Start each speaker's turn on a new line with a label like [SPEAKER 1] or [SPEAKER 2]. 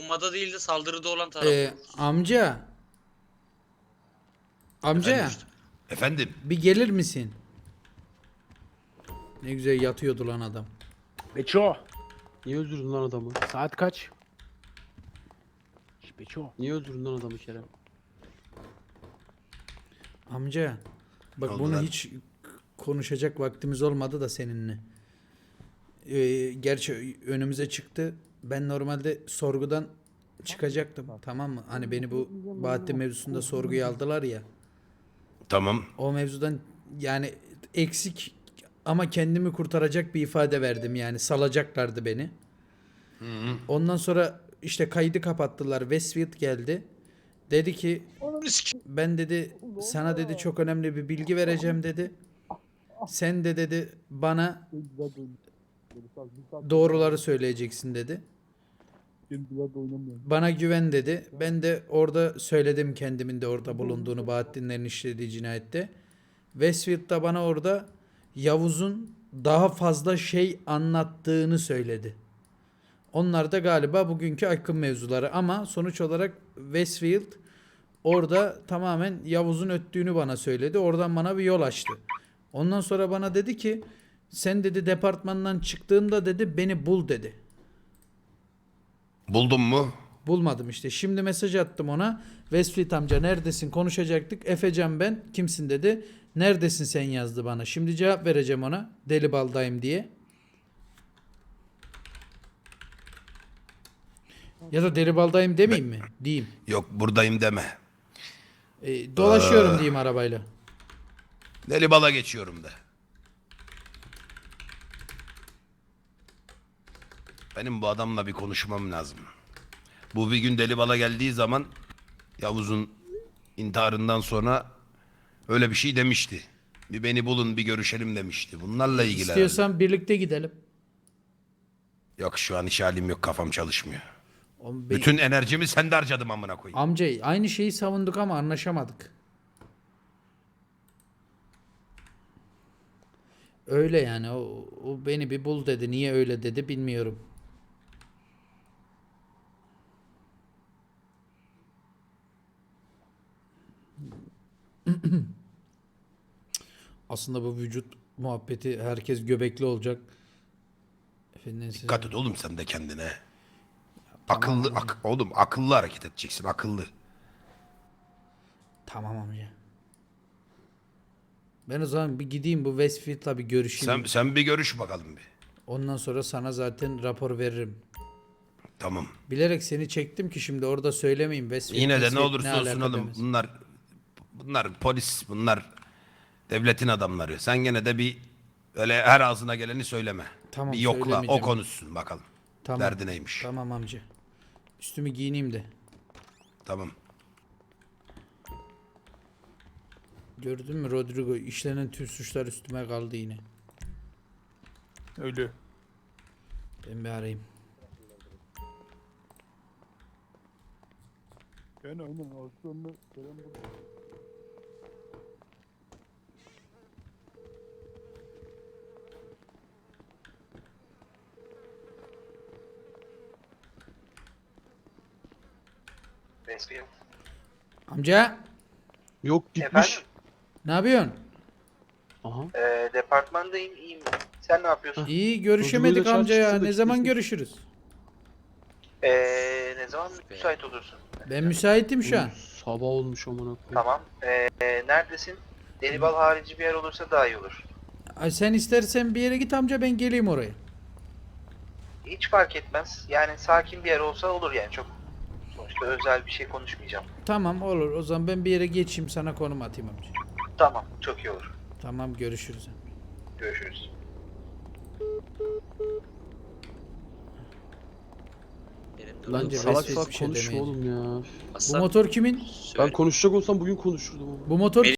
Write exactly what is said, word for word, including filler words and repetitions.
[SPEAKER 1] savunmada değil de saldırıda olan taraf
[SPEAKER 2] Ee,
[SPEAKER 1] oluruz.
[SPEAKER 2] amca. Amca
[SPEAKER 3] Efendim? Efendim?
[SPEAKER 2] bir gelir misin? Ne güzel yatıyordu lan adam.
[SPEAKER 4] Beço.
[SPEAKER 5] Niye öldürdün lan adamı?
[SPEAKER 4] Saat kaç? Şş, Beço.
[SPEAKER 5] Niye öldürdün lan adamı Kerem?
[SPEAKER 2] Amca. Bak
[SPEAKER 3] Ne oldu
[SPEAKER 2] bunu
[SPEAKER 3] lan?
[SPEAKER 2] hiç konuşacak vaktimiz olmadı da seninle. Ee, gerçi önümüze çıktı. Ben normalde sorgudan çıkacaktım. Tamam mı? Hani beni bu Bahattin mevzusunda sorguya aldılar ya.
[SPEAKER 3] Tamam.
[SPEAKER 2] O mevzudan yani eksik ama kendimi kurtaracak bir ifade verdim yani salacaklardı beni. Ondan sonra işte kaydı kapattılar. Westfield geldi. Dedi ki ben dedi sana dedi çok önemli bir bilgi vereceğim dedi. Sen de dedi bana doğruları söyleyeceksin dedi. Bana güven dedi. Ben de orada söyledim kendimin de orada bulunduğunu Bahattinlerin işlediği cinayette. Westfield da bana orada Yavuz'un daha fazla şey anlattığını söyledi. Onlar da galiba bugünkü Akın mevzuları ama sonuç olarak Westfield orada tamamen Yavuz'un öttüğünü bana söyledi. Oradan bana bir yol açtı. Ondan sonra bana dedi ki sen dedi departmandan çıktığında dedi beni bul dedi.
[SPEAKER 3] Buldun mu?
[SPEAKER 2] Bulmadım işte. Şimdi mesaj attım ona. Westfield amca neredesin? Konuşacaktık. Efecan ben. Kimsin dedi. Neredesin sen yazdı bana. Şimdi cevap vereceğim ona. Deli baldayım diye. Ya da deli baldayım demeyeyim mi? Diyeyim.
[SPEAKER 3] Yok buradayım deme.
[SPEAKER 2] E, dolaşıyorum diyeyim arabayla.
[SPEAKER 3] Deli bala geçiyorum de. Benim bu adamla bir konuşmam lazım. Bu bir gün deli bala geldiği zaman Yavuz'un intiharından sonra öyle bir şey demişti. Bir beni bulun bir görüşelim demişti. Bunlarla ilgili.
[SPEAKER 2] İstiyorsan birlikte gidelim.
[SPEAKER 3] Yok şu an iş halim yok kafam çalışmıyor.
[SPEAKER 2] Oğlum, be-
[SPEAKER 3] Bütün enerjimi sende harcadım amına koyayım.
[SPEAKER 2] Amca aynı şeyi savunduk ama anlaşamadık. Öyle yani o, o beni bir bul dedi. Niye öyle dedi bilmiyorum. Aslında bu vücut muhabbeti herkes göbekli olacak. Efendim size-
[SPEAKER 3] Dikkat et oğlum sen de kendine. Akıllı ak- oğlum akıllı hareket edeceksin akıllı.
[SPEAKER 2] Tamam amca. Ben o zaman bir gideyim bu Westfield'la bir görüşeyim.
[SPEAKER 3] Sen sen bir görüş bakalım bir.
[SPEAKER 2] Ondan sonra sana zaten rapor veririm.
[SPEAKER 3] Tamam.
[SPEAKER 2] Bilerek seni çektim ki şimdi orada söylemeyeyim. Westfield,
[SPEAKER 3] Yine de ne
[SPEAKER 2] Westfield
[SPEAKER 3] olursa olsun
[SPEAKER 2] alaka
[SPEAKER 3] oğlum
[SPEAKER 2] demez.
[SPEAKER 3] bunlar bunlar polis bunlar devletin adamları. Sen gene de bir öyle her ağzına geleni söyleme.
[SPEAKER 2] Tamam,
[SPEAKER 3] bir yokla o
[SPEAKER 2] söylemeyeceğim.
[SPEAKER 3] konuşsun bakalım.
[SPEAKER 2] Tamam.
[SPEAKER 3] Derdi neymiş?
[SPEAKER 2] Tamam amca. Üstümü giyineyim de.
[SPEAKER 3] Tamam.
[SPEAKER 2] Gördün mü Rodrigo? İşlenen tüm suçlar üstüme kaldı yine.
[SPEAKER 4] Ölü.
[SPEAKER 2] Ben bir arayayım.
[SPEAKER 4] Yani aynen aslında Kerem burada.
[SPEAKER 6] Westfield.
[SPEAKER 2] Amca
[SPEAKER 5] Yok gitmiş.
[SPEAKER 6] Efendim?
[SPEAKER 2] ne yapıyorsun?
[SPEAKER 5] Aha.
[SPEAKER 6] Ee, departmandayım, iyiyim. Sen ne yapıyorsun?
[SPEAKER 2] İyi görüşemedik
[SPEAKER 5] Rodrigo'yla
[SPEAKER 2] amca ya.
[SPEAKER 5] çarpıştırdık
[SPEAKER 2] Ne zaman
[SPEAKER 5] işte.
[SPEAKER 2] görüşürüz?
[SPEAKER 6] Ee, ne zaman müsait olursun?
[SPEAKER 2] Ben müsaitim şu an.
[SPEAKER 5] Sabah olmuş amına koyayım.
[SPEAKER 6] Tamam. Ee, neredesin? Delibal harici bir yer olursa daha iyi olur.
[SPEAKER 2] Ay sen istersen bir yere git amca ben geleyim oraya.
[SPEAKER 6] Hiç fark etmez. Yani sakin bir yer olsa olur yani çok. Sonuçta özel bir şey konuşmayacağım.
[SPEAKER 2] Tamam olur. O zaman ben bir yere geçeyim sana konum atayım amca.
[SPEAKER 6] Tamam, çok iyi olur.
[SPEAKER 2] Tamam görüşürüz.
[SPEAKER 6] Görüşürüz.
[SPEAKER 1] Benim de
[SPEAKER 5] Lan
[SPEAKER 2] Bence
[SPEAKER 5] salak
[SPEAKER 2] Westfield
[SPEAKER 5] salak
[SPEAKER 2] bir şey
[SPEAKER 5] konuşma
[SPEAKER 2] demeyecek.
[SPEAKER 5] oğlum ya.
[SPEAKER 2] Bu
[SPEAKER 1] Aslan,
[SPEAKER 2] motor kimin?
[SPEAKER 1] söyle.
[SPEAKER 5] Ben konuşacak olsam bugün konuşurdum ama.
[SPEAKER 2] Bu motor